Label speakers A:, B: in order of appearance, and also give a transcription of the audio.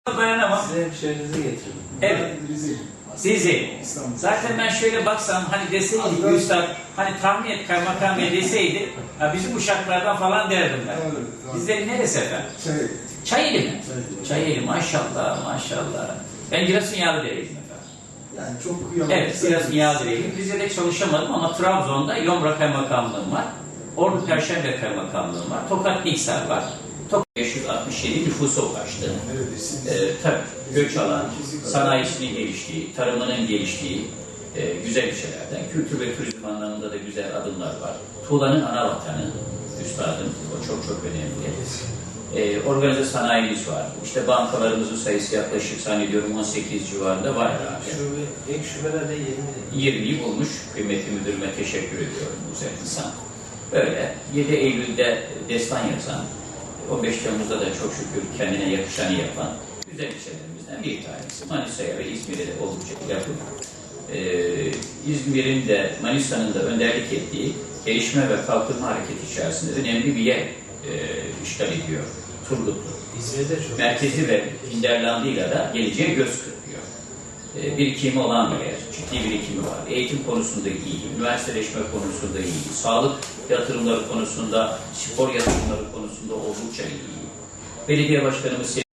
A: Dayanamam.
B: Size hemşehrinizi getirdim.
A: Evet. Sizi. Zaten ben şöyle baksam hani deseydi Üstad hani tahmin et kaymakam bey deseydi ya bizim uşaklardan falan derdim ben. Bizlerin neresi efendim? Çayeli mi? Çayeli maşallah maşallah. Ben Giresun Yağlıdere'ydim efendim.
C: Yani çok kıyamam.
A: Evet Giresun Yağlıdere'ydim. Rize'de çalışamadım ama Trabzon'da Yomra Kaymakamlığım var. Ordu Perşembe Kaymakamlığım var. Tokat Niksar var. Tokat 567 nüfusa ulaştı. Tabii göç alan, sanayisinin geliştiği, tarımının geliştiği güzel ilçelerden. Kültür ve turizm anlamında da güzel adımlar var. Tuğla'nın ana vatanı, üstadım, o çok çok önemli. Organize sanayimiz var. İşte bankalarımızın sayısı yaklaşık zannediyorum 18 civarında var herhalde.
B: Ek şubelerde
A: 20'yi bulmuş. Kıymetli müdürüme teşekkür ediyorum bu güzel insan. Böyle 7 Eylül'de destan yazan, 15 Temmuz'da da çok şükür kendine yakışanı yapan güzel ilçelerimizden bir tanesi. Manisa'ya ve İzmir'e de oldukça yakın. İzmir'in de Manisa'nın da önderlik ettiği gelişme ve kalkınma hareketi içerisinde önemli bir yer işgal ediyor. Turgutlu.
B: İzmir'de çok.
A: Merkezi ve Hinterland'ıyla da geleceğe göz kırpıyor. Birikimi olan bir yer, ciddi birikimi var. Eğitim konusunda iyi, üniversiteleşme konusunda iyi, sağlık yatırımları konusunda, spor yatırımları konusunda oldukça iyi. Belediye başkanımız